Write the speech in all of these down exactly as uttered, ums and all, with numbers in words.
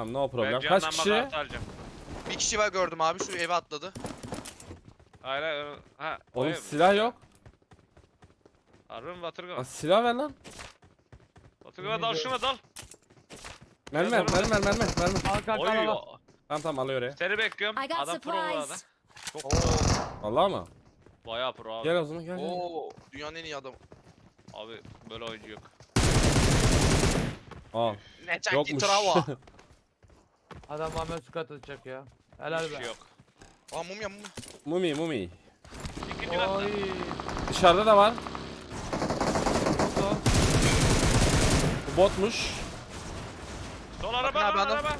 Tamam no problem. Ben Kaç canlanma kişi? kartı alacağım. Bir kişi var gördüm abi, şu eve atladı. Hayır hayır. Ha, Oğlum o ev- silah yok. Harbi mi Batırgan? Lan silah ver lan. Batırgan dal şuna dal. Mermi ver, mermi ver, mermi ver, mermi. Al kanka Oy. al al. Tamam tamam alıyor oraya. Seni bekliyorum. I got Adam pro bu arada. supplies. Çok Oo. Vallahi mı? bayağı pro abi. Gel o zaman gel gel. Oo, dünyanın en iyi adamı. Abi böyle oyuncu yok. Aa Ne çekti yokmuş. trava. Adam bana su katılacak ya. Helal Hiçbir be. şey yok. Aa mumya mumya. Mumi mumi. İkinci katta. Oy. Dışarıda da var. Sol. Bu botmuş. Sol araba abi, lan adam. araba.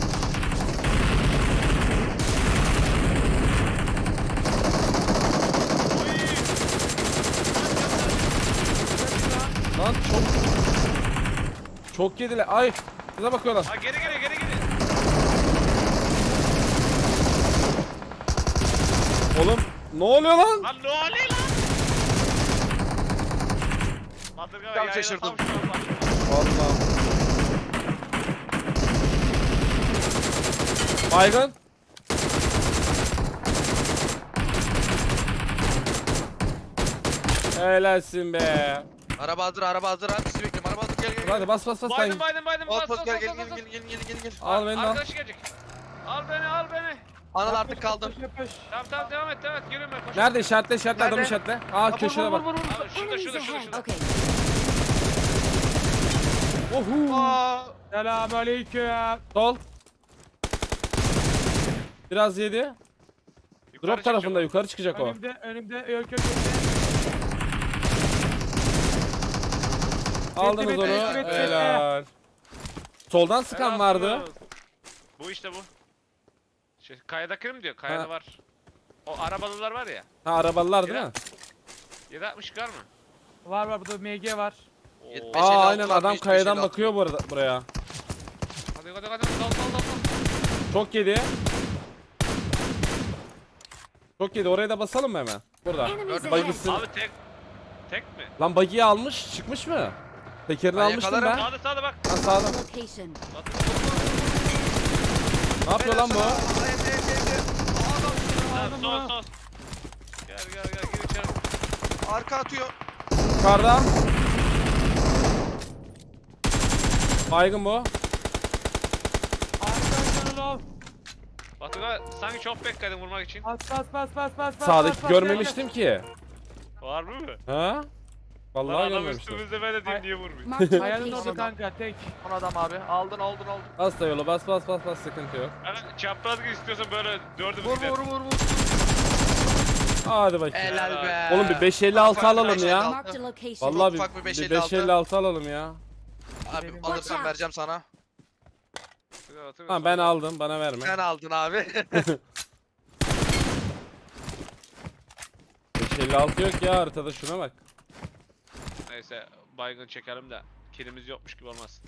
Lan çok çok yediler. Ay bize bakıyorlar. Ha geri geri geri geri. Oğlum ne oluyor lan? Lan ne oluyor lan? Batırgan Tam yayına şaşırdım. tam şu an bak. Vallahi. Baygın. Helalsin be. Araba hazır, araba hazır abi, sizi bekliyorum. Araba hazır, gel gel gel. Hadi bas bas bas. Baydım Sen. baydım baydım. Bas Bas bas bas gel bas gel bas. gel bas. gel gel gel gel. Al beni al. Arkadaş gelecek. Al beni al beni. Anıl artık kaldım. Yapış, yapış. Tamam tamam devam et devam et. Yürüme koş. Nerede işaretle işaretle adam Nerede? işaretle. Aa köşede bak. Abi şurada Enemies şurada şurada ahead. şurada. Okay. Ohu. Aa, Selamünaleyküm. Sol. Biraz yedi. Yukarı Drop tarafında çıkacak. yukarı çıkacak o. Önümde önümde yok yok yok. Aldınız bitti, onu. bitti, bitti. Helal. Soldan sıkan Helal vardı. olsun. Bu işte bu. Şey, kayadaki mi diyor? Kayada Ha. var. O arabalılar var ya. Ha arabalılar değil Ya. mi? yedi altmış kar mı? Var var burada M G var. Oo. Beş elli Aa altı aynen var, adam beş- kayadan beş elli altı. bakıyor bu arada buraya. Hadi hadi hadi dal dal dal dal. Çok yedi. Çok yedi. Oraya da basalım mı hemen? Burada. Enemies Gördüm, ahead. Baygısın. Abi tek tek mi? Lan bagiyi almış. Çıkmış mı? Tekerini Ben almıştım yakalarım. ben. Sağda sağda bak. Ha sağda. Location. Batır. Ne yapıyor lan bu? Aa, evde, evde, evde. Tamam, sol sol. Gel gel gel gir içeri. Arka atıyor. Yukarıda. Baygın bu. Arkadaşlar ol. Batuga sanki çok bekledim vurmak için. Bas bas bas bas bas bas. Sağdaki bas, bas, görmemiştim ki. Var mı? Ha? Lan Vallahi adam görmemiştim. üstümüzde ben de diyeyim diye vurmuyor. Marked gel. a Ayağının orada location. kanka tek. Son adam abi. Aldın aldın aldın. Bas da yola bas bas bas bas sıkıntı yok. Yani çapraz gir istiyorsan böyle dördümüz Vur gidelim. vur vur vur. Hadi bakayım. Helal be. Oğlum bir beş elli altı Ufak bir alalım beş ya. elli altı. Marked a location. Vallahi ufak bir bir, beş bir elli altı. beş elli altı alalım ya. Abi Benim- alırsan Watch out. vereceğim sana. Ha ben aldım bana verme. Sen aldın abi. beş elli altı yok ya haritada şuna bak. Neyse baygın çekelim de kilimiz yokmuş gibi olmaz.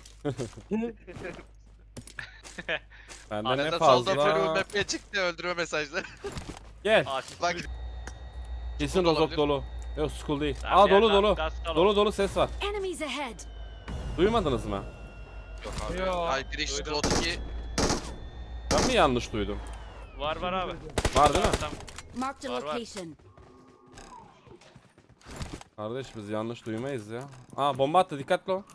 Bende ne Arada solda Feru fazla. Mbappé'ye çıktı öldürme mesajları. Gel. Asist. Bak Kesin School rozok olabilir. dolu. Yok school değil. Tamam Aa ya, dolu gaz- dolu. gaz kalın. Dolu dolu ses var. Enemies ahead. Duymadınız mı? Yok abi. Yo. Ay bir işte Duydum. otuz iki. Ben mi yanlış duydum? Var var abi. Var değil mi? Tamam. Marked a Var, var. location. Kardeş biz yanlış duymayız ya. Aa bomba attı dikkatli ol.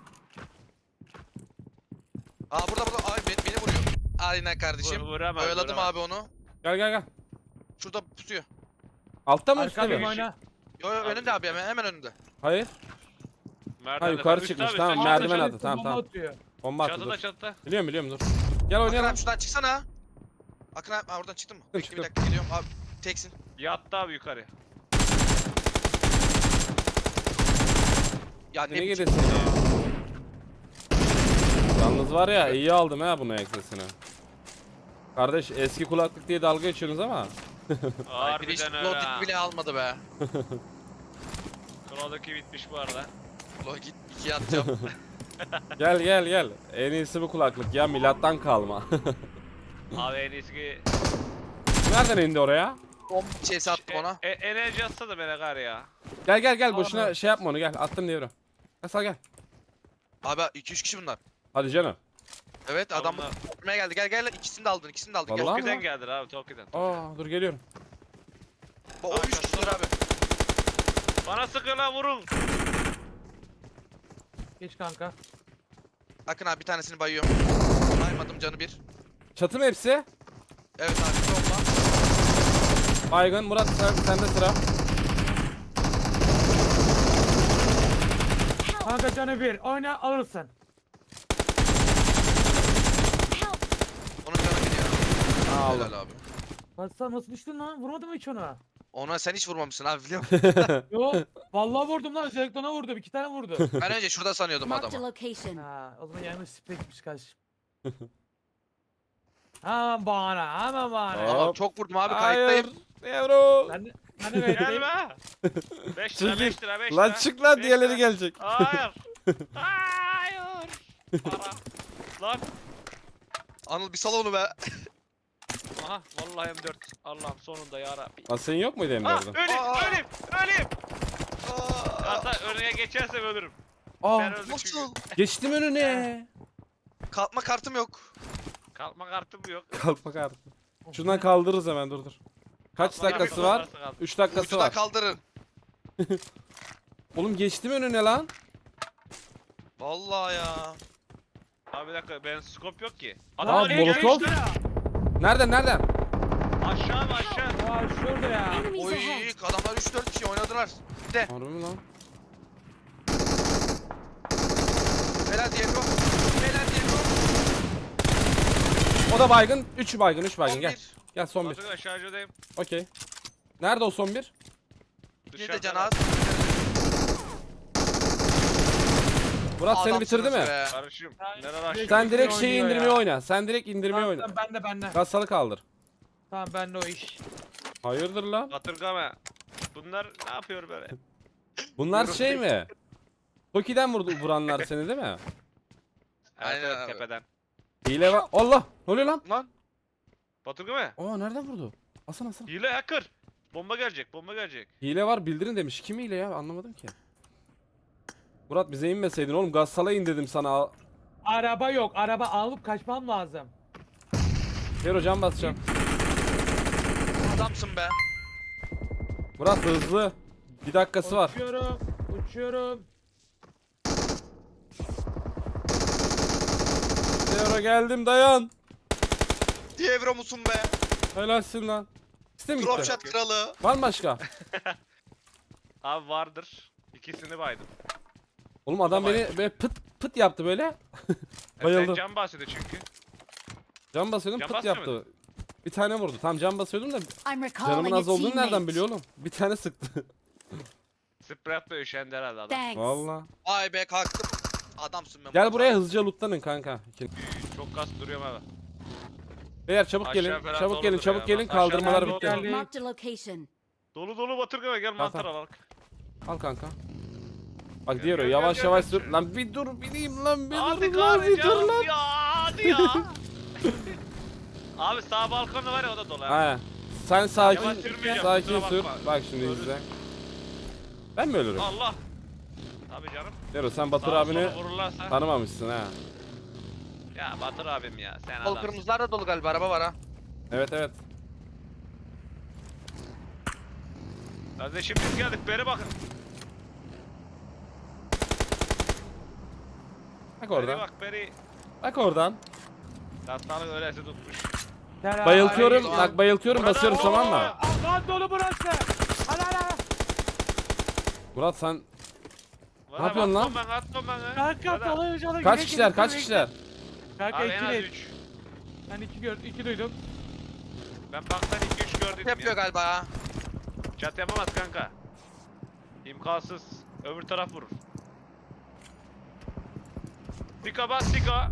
Aa burada burada. Ay beni, beni vuruyor. Aynen kardeşim. Vur- vuramaz, Oyaladım vuramaz. abi onu. Gel gel gel. Şurada pusuyor. Altta mı üstte Arkada mi? oyna. Yo yo Abi, önünde abi hemen, hemen önünde. Hayır. Merdiven Ha, yukarı üstte çıkmış, abi, tamam, üstte. merdiven Arkadaşlar attı, tamam, bomba tamam. atıyor. Bomba attı Çatıda dur. çatıda. Biliyorum biliyorum dur. Gel Akın oynayalım. abi şuradan çıksana. Akın abi ha, oradan çıktın mı? Bekle çıktım. bir dakika geliyorum abi. Teksin. Yattı abi yukarı. Ya ne Ne biçim- gidesin ya? Yalnız var ya iyi aldım ha bunu eksesini. Kardeş eski kulaklık diye dalga geçiyorsunuz ama. Ay bir işte Harbiden öyle ha. Logit bile almadı be. Krono'daki bitmiş bu arada. Logit ikiye atacağım. Gel gel gel. En iyisi bu kulaklık ya milattan kalma. Abi en iyisi ki... Nereden indi oraya? Bomba şey sattım ona. E, e, enerji atsa da bana kar ya. Gel gel gel boşuna Abi. şey yapma onu gel attım devre. Gel sal gel. Abi iki üç kişi bunlar. Hadi canım. Evet adam Onlar- vurmaya geldi. Gel gel ikisini de aldın. İkisini de aldın. Gel. Vallahi. Tokyo'dan geldiler abi Tokyo'dan. Aa dur geliyorum. O üç kişiler abi. Bana sıkıyorlar vurun. Geç kanka. Akın abi bir tanesini bayıyorum. Baymadım canı bir. Çatı mı hepsi? Evet abi solda. Baygın Murat sen, sende sıra. Kanka canı bir. Oyna alırsın. Onun canı bir ya. Aa, aldım. Helal abi. Hasan nasıl düştün lan? Vurmadın mı hiç ona? Ona sen hiç vurmamışsın abi biliyor musun? Yo. Vallahi vurdum lan. Özellikle ona vurdum. İki tane vurdu. Ben önce şurada sanıyordum Marked a adamı. location. Ha, o zaman yanlış spekmiş kardeşim. Hemen bahane. Hemen bahane. Hop. Ama çok vurdum abi Hayır. kayıttayım. Yavrum. Ben de, ben de verdim. Gelme. beş lira Çekil. beş lira beş lira. Lan çık lan beş diğerleri lira. gelecek. Hayır. Hayır. Para. Lan. Anıl bir sal onu be. Aha vallahi M dört. Allah'ım sonunda ya Rabbi. Lan senin yok muydu Ah M dördün? öleyim Aa. öleyim öleyim. Aa, Hatta önüne geçersem ölürüm. Aa Ben öldüm çünkü. nasıl? geçtim önüne. Kalkma kartım yok. Kalkma kartım yok. Kalkma kartı. Şundan kaldırırız hemen dur dur. Kaç Kalkma dakikası kartım var? varsa kaldır. üç dakikası Ucuda var. kaldırın. Oğlum geçtim önüne lan. Vallahi ya. Abi bir dakika benim scope yok ki. Aa, Adam oraya Molotov. gelmiş lan. Nereden nereden? Aşağı mı aşağı? Ya şurada ya. Enemies Oy ahead. adamlar üç dört kişi oynadılar. Bir de. Harbi mi lan? Helal Diego. Helal Diego. O da baygın. üç baygın üç baygın On gel. bir. Gel son bir. Baturay şarjödeyim. Okey. Nerede o son bir? Bir de can Dışarıda. az. Murat seni Adamsınız bitirdi mi? be. Karışım. Ben- Neler açtı? Sen direkt Oynuyor şeyi ya. indirmeye oyna. Sen direkt indirmeye oyna. Tamam, ben de ben de. Gasalı kaldır. Tamam ben de o iş. Hayırdır lan? Batırgama. Bunlar ne yapıyor böyle? Bunlar şey mi? Toki'den vurdu vuranlar seni değil mi? Evet, Aynen evet, abi. tepeden. Hile var. Allah! Ne oluyor lan? Lan. Batırgama. Aa nereden vurdu? Aslan aslan. Hile hacker. Bomba gelecek, bomba gelecek. Hile var bildirin demiş. Kim hile ya? Anlamadım ki. Murat bize inmeseydin oğlum. Gassala in dedim sana. Araba yok. Araba alıp kaçmam lazım. Hero can basacağım. Adamsın be. Murat hızlı. Bir dakikası var. Uçuyorum. Uçuyorum. Hero geldim dayan. Dievro musun be? Helalsin lan. İste mi Drop gitti? shot kralı. Var mı başka? Abi vardır. İkisini baydım. Oğlum adam Tamam. beni böyle pıt pıt yaptı böyle. E, Sen Bayıldım. can bahsediyor çünkü. Can basıyordum Can pıt basmıyor yaptı. Bir tane vurdu. Tam can basıyordum da I'm recalling canımın a az olduğunu nereden teammate. biliyor oğlum? Bir tane sıktı. Sprat'la üşendi herhalde adam. Thanks. Valla. Vay be kalktım. Adamsın be. Gel Murat buraya abi. hızlıca lootlanın kanka. Çok kas duruyorum abi. Beyler çabuk Aşağı gelin. falan Çabuk gelin doludur çabuk ya. gelin. Aşağıdan Kaldırmalar dolu bitti. geldi. Geldi. Marked a location. Dolu dolu Batırgama gel mantara bak. Al kanka. Bak Gel, diyor gel, yavaş gel, yavaş gel. sür. Lan bir dur bileyim lan bir Hadi dur lan bir dur kahretsin lan. ya hadi ya. Abi sağ balkonda var ya o da dolu. ha. He. Sen sakin Yavaş sürmeyeceğim, sakin kusura sür. bakma. Bak şimdi Ölürüm. izle. Ben mi ölürüm? Allah. Tabii canım. Dero sen Batır Sağa abini sola vururlarsa. tanımamışsın ha. Ya Batır abim ya sen Sol adamsın. kırmızılar da dolu galiba araba var ha. Evet evet. Kardeşim biz geldik beri bakın. Bak Beri oradan. bak beri. Bak oradan. Hastalık öylesi tutmuş. Gel, Bayıltıyorum. Ay, Bak bayıltıyorum Burada- basıyorum tamam mı? Aa, lan dolu burası. Hadi hadi. Murat sen Bana Ne yapıyorsun lan? atmam Ben atmam ben. Kanka Bana- dolu canı. kaç kişiler kaç kişiler? Kanka Abi en az iki değil. üç. Ben iki gör, iki duydum. Ben baktan iki üç gördüm Yapıyor ya. galiba ha. Çat yapamaz kanka. İmkansız. Öbür taraf vurur. Sika bas sika.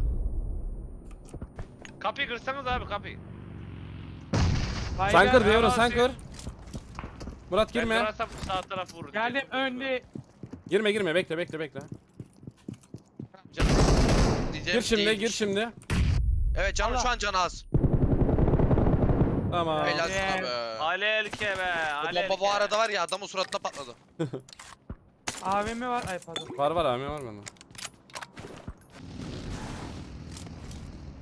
Kapıyı kırsanız abi kapıyı. Sen kır Baygar, Devro sen Yalan kır. Murat Ben girme. kırarsam sağ taraf vurur. Geldim önde. Girme girme bekle bekle bekle. Canım. Diyeceğim Gir şimdi gir değilmiş. şimdi. Evet canım Allah. şu an can az. Tamam. Helal Yeah. sana be. Alelke be. Bu Alelke. bomba bu arada var ya adamın suratına patladı. A V M var. Ay pardon. Var var abi var bende.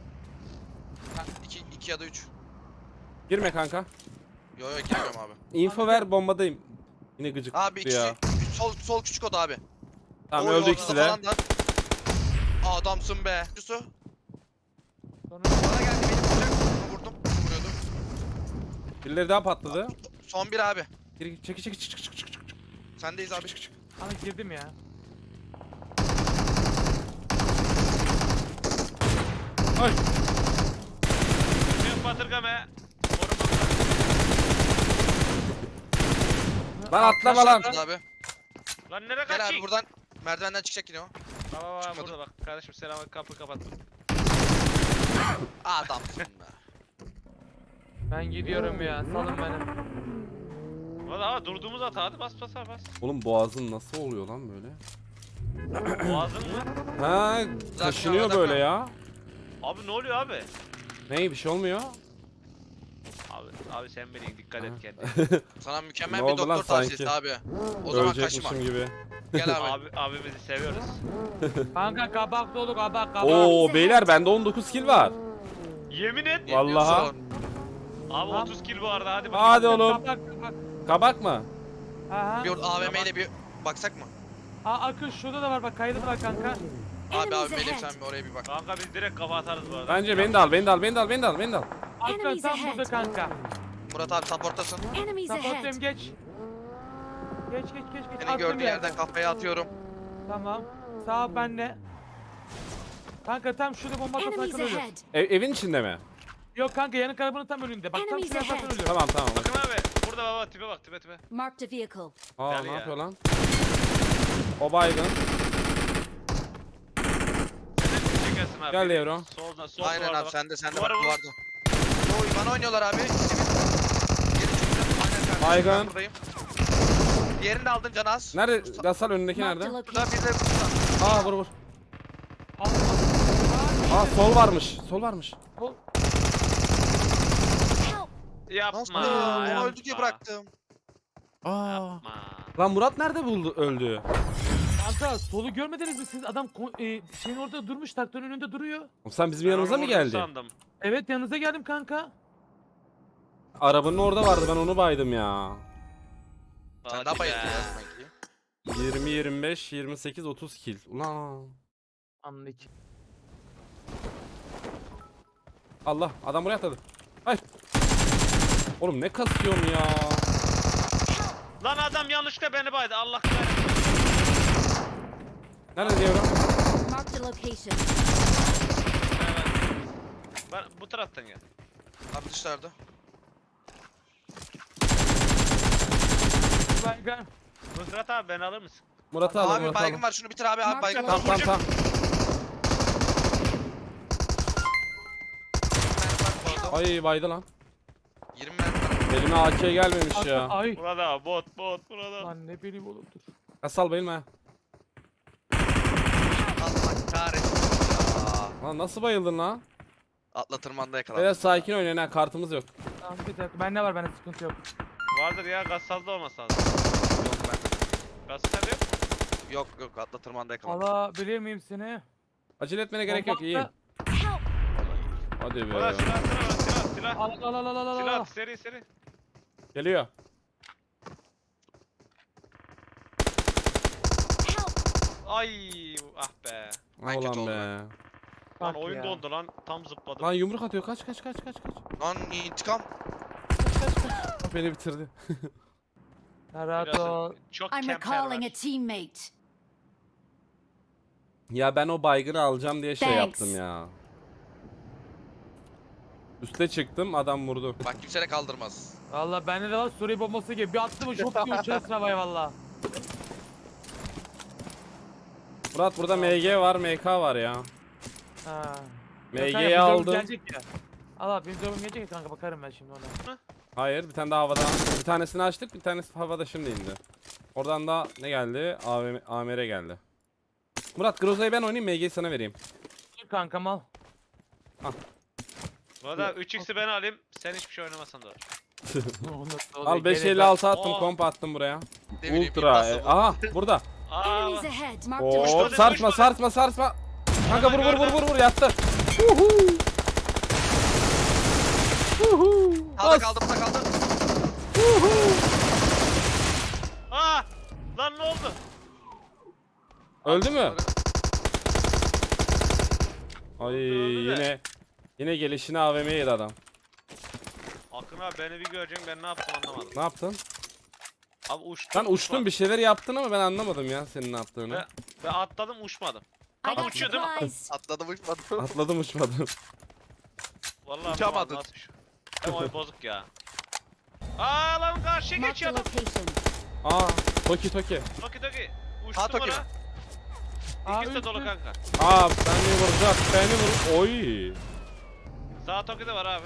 iki ya da üç. Girme kanka. Yo yo girmiyorum abi. Info ver, bombadayım. Yine gıcık Abi tuttu ya. ikisi sol sol küçük oda abi. Tamam Oy, öldü ortada ikisi de. falan da. Adamsın be. Yusuf. Sonra Bana geldi beni vuracak. Bunu vurdum. Bunu vuruyordum. Birileri daha patladı. Son bir abi. Gir gir, çeki çeki çık çık çık çık çık. Sendeyiz abi. ana girdim ya. Ay. Büyük batırgame. Koruma. Lan atlama lan. Kaçtı abi. Lan nereye Gel abi kaçayım? buradan. Merdivenden çıkacak yine o. Baba baba Çıkmadı. burada bak. Kardeşim selam kapı kapattım. Adamsın be. Ben gidiyorum ya. Salın beni. Valla ama durduğumuz hata hadi bas bas bas. Oğlum boğazın nasıl oluyor lan böyle? Boğazın mı? Ha, taşınıyor dakika. böyle ya. Abi ne oluyor abi? Ney bir şey olmuyor. Abi abi sen beni dikkat et Ha. kendine. Sana mükemmel Ne bir oldu lan doktor tavsiyesi sanki? abi. O zaman kaçma. Ölecekmişim gibi. Gel abi. abi abimizi seviyoruz. Kanka kabak dolu kabak kabak. Oo beyler bende on dokuz kill var. Yemin et. Ne Vallahi. diyorsun? Abi Tamam. otuz kill bu arada hadi bakalım. Hadi oğlum. Kabak kabak. Kabak mı? Aha. Bir A V M ile bir baksak mı? Aa Akın şurada da var bak kaydı da var kanka. Abi Enemies abi Melih ahead. sen bir oraya bir bak. Kanka biz direkt kafa atarız bu arada. Bence beni de al, beni de al, beni de al, beni de al, beni de al. Akın Enemies tam ahead. burada kanka. Murat abi supporttasın. Enemies ahead. Support'um geç. Geç geç geç geç. Seni Attım gördüğü bir yerden kafaya atıyorum. Tamam. Sağ ol bende. Kanka tam şurada bomba atmasına Enemies ölüyor. ahead. Ev, evin içinde mi? Yok kanka yanık arabanın tam önünde. Bak tam Enemies şuraya ahead. bakın ölüyor. Tamam tamam. Bakın abi burada baba tipe bak tipe tipe. Marked a vehicle. Aa Gel ne ya. yapıyor lan? O baygın. Sen çekersin abi. Gel Evro. Solda sol Aynen duvarda abi bak. sende sende bak Duvara vur. duvarda. Oy bana oynuyorlar abi. Geri çıktım. Aynen kardeşim. Baygın. Ben buradayım. Diğerini de aldın Canaz. Nerede? Gasal önündeki Marked nerede? a Burada location. bir de burada. Aa vur vur. Aldım. Aa sol varmış. Sol varmış. Ol. Help. Yapma. Nasıl? Onu yapma. öldü diye bıraktım. Aa. Yapma. Lan Murat nerede buldu öldü? Kanka solu görmediniz mi siz? Adam ko- e, şeyin orada durmuş, traktörün önünde duruyor. Oğlum sen bizim Ben yanımıza onu mı vurdum geldi? sandım. Evet yanınıza geldim kanka. Arabanın orada vardı ben onu baydım ya. Sen Hadi daha bayıldın be. ya demek ki. yirmi, yirmi beş, yirmi sekiz, otuz kill. Ulan. Anlık. Allah adam buraya atladı. Hayır. Oğlum ne kasıyorsun ya? Lan adam yanlışlıkla beni baydı. Allah kahretsin. Nerede diyorum? Marked a location. Evet. Ben bu taraftan gel. Abi dışarıda. Baygın. Mızrat abi beni alır mısın? Murat'ı alın Abi Murat'ı baygın alın. var şunu bitir abi abi Mark baygın the var. Tamam tamam tamam. Ay baydı lan. yirmi mermi var. Elime A K gelmemiş Akın, ya. ay. Burada bot bot burada. Lan ne bileyim oğlum dur. Kasal bayılma ya. Allah kahretsin ya. Lan nasıl bayıldın lan? Atla tırmanda yakalandım. Biraz sakin oynayın ha kartımız yok. Tamam bir dakika. Bende var bende sıkıntı yok. Vardır ya gaz sazda olmasa lazım. Yok ben. Gaz sazda yok. Yok yok atla tırmanda yakalandım. Alabilir miyim seni? Acele etmene gerek yok Bomba iyiyim. atla. Help. Hadi Ulan be. silah silah var, silah silah. Al al al al al al. Silah seri seri. Geliyor. Help. Ay ah be. Ben kötü Ulan oldum be. Lan Bak oyun ya. dondu lan. Tam zıpladım. Lan yumruk atıyor kaç kaç kaç kaç kaç. Lan intikam. Beni bitirdi. Ya rahat Biraz ol. çok I'm kemper recalling var. a teammate. Ya ben o baygını alacağım diye şey Thanks. yaptım ya. Üste çıktım adam vurdu. Bak kimse de kaldırmaz. Valla bende de var Suriye bombası gibi. Bir attı mı şok diye uçarız havaya valla. Murat burada M G var M K var ya. Ha. M Kanka, G'yi bizim aldım. Gelecek ya. Allah benim cevabım gelecek ya kanka bakarım ben şimdi ona. Hayır bir tane daha havada. Bir tanesini açtık bir tanesi havada şimdi indi. Oradan da ne geldi? A V M, A M R geldi. Murat Groza'yı ben oynayayım M G'yi sana vereyim. Dur kankam al. Valla üç x'i ben alayım. Sen hiçbir şey oynamasan da olur. Al beş Gerek elli yok. altı attım Oo. komp attım buraya. Ne bileyim, Ultra. nasıl e, bu? aha burada. Aa Enemies ahead. Marked a Oo location. sarsma sarsma sarsma. Kanka vur vur vur vur vur yattı. Huhu. Sağda Bas. kaldı, burada kaldı. Aa! Lan ne oldu? Öldü mü? Ay Öldü de. yine yine gelişine A V M yedi adam. Akın abi beni bir göreceksin, ben ne yaptım anlamadım. Ne yaptın? Abi uçtum. Ben uçtum bir şeyler yaptın ama ben anlamadım ya senin ne yaptığını. Ve, ve atladım uçmadım. I Tam got uçuyor değil mi? supplies. Atladım uçmadım. Atladım uçmadım. Vallahi Uçamadın. anlamadım nasıl şu- Hem oyun bozuk ya. Aa lan karşıya Marked a geçiyor adam. location. Aa Toki Toki. Toki toki. Ha, Uçtum Toki ona. mi? Aa, İkisi de dolu üstü. kanka. Aa beni vuracak beni vur. Oy. Sağ Toki de var abi.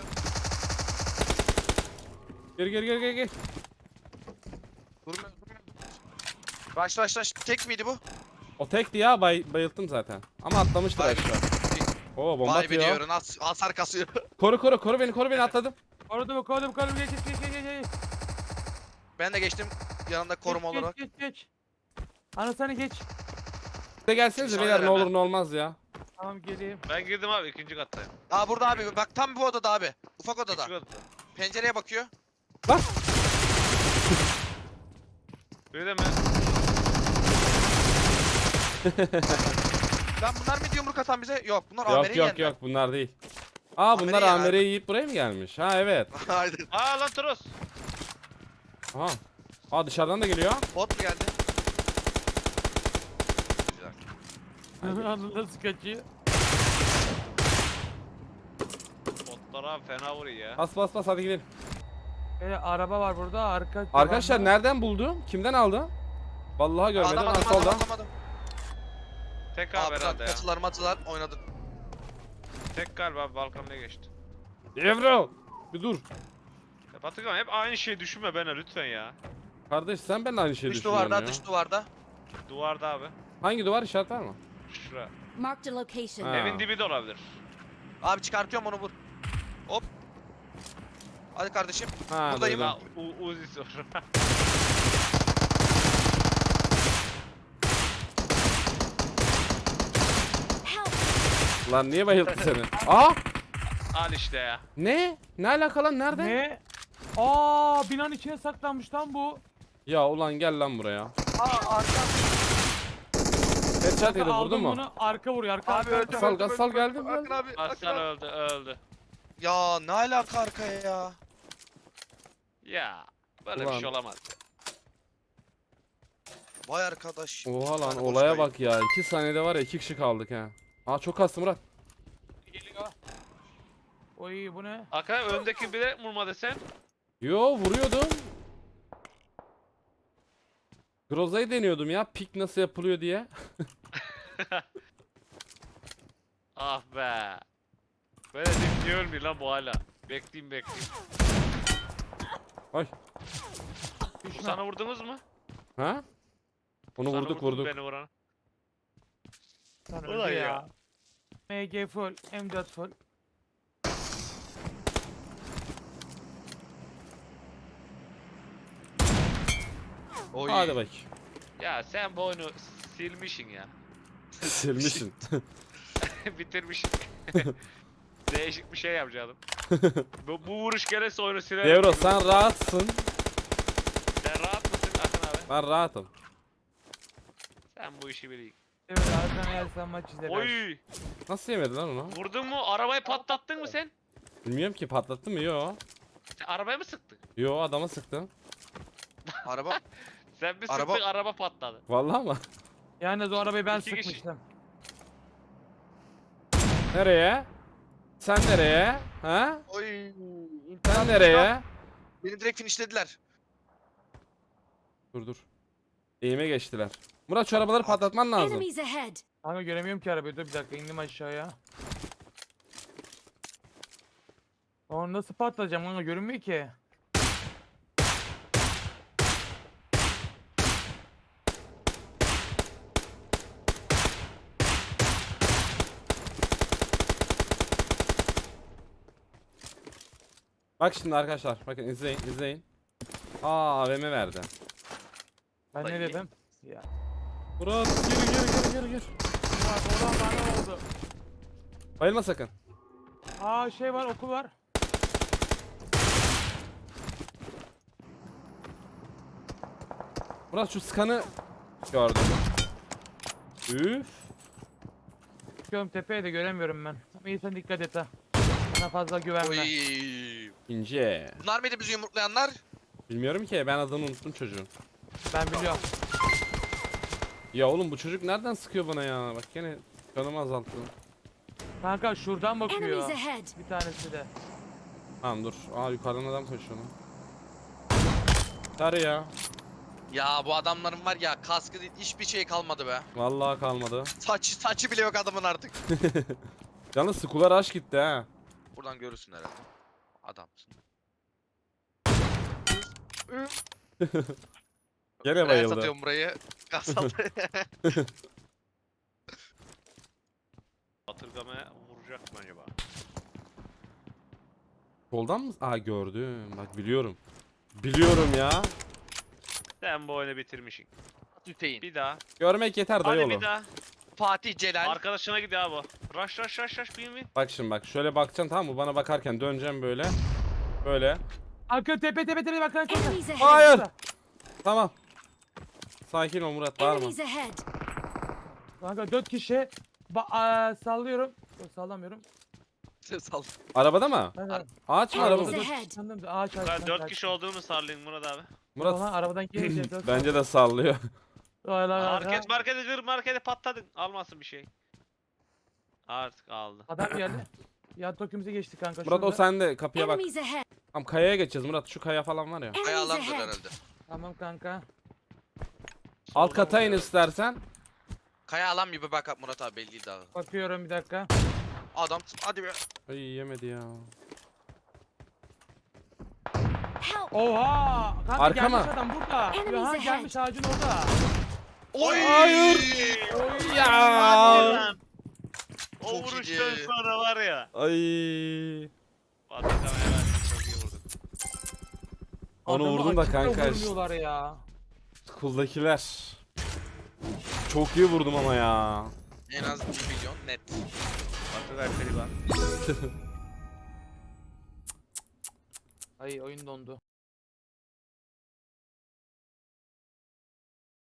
Gel gel gel gel gel. Durmuyor, durmuyor. Rush rush rush. Tek miydi bu? O tekti ya bay, bayılttım zaten. Ama atlamıştır Vay aşağı. Oo bomba Vay be atıyor. diyorum. Has hasar kasıyor. Koru koru koru beni koru beni atladım. Korudum korudum korudum geç geç geç geç geç. Ben de geçtim yanında koruma Geç, olarak. Geç geç geç. Anasını geç. Size gelsenize Dışarı beyler ne hemen. olur ne olmaz ya. Tamam geleyim. Ben girdim abi ikinci kattayım. Aa burada abi bak tam bu odada abi. Ufak odada. İkinci katta. Pencereye bakıyor. Bak. Öyle mi? Lan bunlar mı yumruk atan bize? Yok bunlar Yok Amer'i yok yendiler. yok bunlar değil. Aa bunlar Amer'i yer Amer'i yiyip buraya mı gelmiş? Ha evet. Haydi. Aa lan Toros. Aha. Aa dışarıdan da geliyor. Bot mu geldi? Anıl nasıl kaçıyor? Botlar abi fena vuruyor ya. Bas bas bas hadi gidelim. Böyle araba var burada arka. Arkadaşlar tabanda. nereden buldu? Kimden aldı? Vallahi görmedim. Adam Ha adam adam solda. adam adam. Tek abi Abi herhalde ya. kaçılar maçılar oynadık. Tek galiba abi balkonuna geçti. Evro. Bir dur. Ya Batıkan hep aynı şeyi düşünme bana lütfen ya. Kardeş sen ben de aynı şeyi Dış düşünüyorsun duvarda ya. dış duvarda. Duvarda abi. Hangi duvar işaret var mı? Şura. Marked a location. Ha. Evin dibi de olabilir. Abi çıkartıyorum onu vur. Hop. Hadi kardeşim. Ha, Buradayım. duydum. Ha, U Uzi sor. Help! Lan niye bayılttı seni? Aa! Al işte ya. Ne? Ne alaka lan? Nerede? Ne? Aa binanın içine saklanmış lan bu. Ya ulan gel lan buraya. Aa arka. Headshot yedi vurdun Aldım mu? bunu arka vuruyor arka. Abi arka. öldü. Gasal, öldü, Gasal öldü, geldi, öldü. geldi. Akın abi. Akın Aslan abi. öldü öldü. Ya ne alaka arkaya ya? Ya böyle Ulan. bir şey olamaz. Vay arkadaş. Oha lan Hadi olaya boş bak ya. iki saniyede var ya iki kişi kaldık ha. Aa çok kastı Murat. Geliyor. Oy bu ne? Hakan öndeki bilerek vurma desen. Yo vuruyordum. Groza'yı deniyordum ya. Pik nasıl yapılıyor diye. Ah be. Böyle deyip niye ölmüyor lan bu hala? Bekleyeyim bekleyeyim. Ay. Bu Düşme. sana vurdunuz mu? Ha? Onu Sana vurduk vurdum vurduk. Beni vuran. Sen Ulan öldü ya. ya. M G full, M dört full. Oy. Hadi bak. Ya sen bu oyunu silmişsin ya. Silmişsin. Bitirmişsin. Değişik bir şey yapacaktım. bu, bu vuruş gelirse oyunu silerim. Devro sen rahatsın. Sen rahat mısın Akın abi? Ben rahatım. Sen bu işi biliyorsun. Evet arkadan yersen maç izler. Oy! Nasıl yemedi lan onu? Vurdun mu? Arabayı patlattın mı sen? Bilmiyorum ki patlattı mı? Yo. Sen arabaya mı sıktın? Yo adama sıktım. Araba. Sen bir Araba- sıktın araba patladı. Vallahi mı? Yani o arabayı ben İki kişi. sıkmıştım. Nereye? Sen nereye? Ha? Oy. Sen nereye? Beni direkt finishlediler. Dur dur. Eğime geçtiler. Murat şu arabaları patlatman lazım. Enemies ahead! Kanka göremiyorum ki arabayı. Dur bir dakika indim aşağıya. Onu nasıl patlayacağım kanka görünmüyor ki. Bak şimdi arkadaşlar. Bakın izleyin izleyin. Aa A V M verdi. Ben Vallahi ne iyi. dedim? Ya. Murat gir gir gir gir gir. Bak oradan bana oldu. Bayılma sakın. Aa şey var okul var. Murat şu skanı gördüm. Üf. Çıkıyorum tepeye de göremiyorum ben. Ama iyi sen dikkat et ha. Bana fazla güvenme. Oy. İnce. Bunlar mıydı bizi yumruklayanlar? Bilmiyorum ki, ben adını unuttum çocuğun. Ben biliyorum. Ya oğlum bu çocuk nereden sıkıyor bana ya? Bak gene canımı azalttı. Kanka şuradan bakıyor. Enemies ahead. Bir tanesi de. Tamam dur. Aa yukarıdan adam koşuyor lan. Sarı ya. Ya bu adamların var ya kaskı değil hiçbir şey kalmadı be. Vallahi kalmadı. Saç saçı bile yok adamın artık. Yalnız skular aş gitti ha. Buradan görürsün herhalde. Adamsın. Gene Buraya bayıldı. satıyorum burayı. Kasal. Batırgamaya vuracak mı acaba? Soldan mı? Aa gördüm. Bak biliyorum. Biliyorum ya. Sen bu oyunu bitirmişsin. Hüseyin. Bir daha. Görmek yeter dayı Hadi oğlum. bir daha. Fatih Celal. Arkadaşına gidiyor abi. Rush rush rush rush bin bin. Bak şimdi bak şöyle bakacaksın tamam mı? Bana bakarken döneceğim böyle. Böyle. Arka tepe tepe tepe bak kanka. Enemies ahead. Hayır. Tamam. Sakin ol Murat, bağırma. Enemies ahead. Kanka dört kişi. Ba aa, sallıyorum. Yok sallamıyorum. Sal. Arabada mı? Kanka, Ağaç mı Enemies arabada? ahead. sandım da ağaç ağaç. Kadar dört kişi olduğunu sallayın Murat abi. Murat Murat. Arabadan gelince dört. bence de sallıyor. Vay lan Market kanka. markete gır markete patladın. Almasın bir şey. Artık aldı. Adam geldi. Ya tokimize geçti kanka. Murat o şurada. sende, kapıya bak. Enemies ahead. Tamam kayaya geçeceğiz Murat, şu kaya falan var ya. Enemies Ayağlandır ahead. herhalde. Tamam kanka. Alt Soldan kata in vuruyor. istersen. Kaya alan gibi bak Murat abi belli değil daha. Bakıyorum bir dakika. Adam hadi be. Ay yemedi ya. Help. Oha! Kanka Arka gelmiş mı? adam burada. Enemies Ha ahead. gelmiş ağacın orada. Oy! Hayır. Hadi Ya. lan. O Çok vuruştan iyi. sonra var ya. Ay. Batırgamaya verdik. Çok iyi vurduk. Onu Adamı vurdum da açıkta kanka. vurmuyorlar ya. Kuldakiler. Çok iyi vurdum ama ya. En az bir milyon net. Batırgay Pelivan. Ay oyun dondu.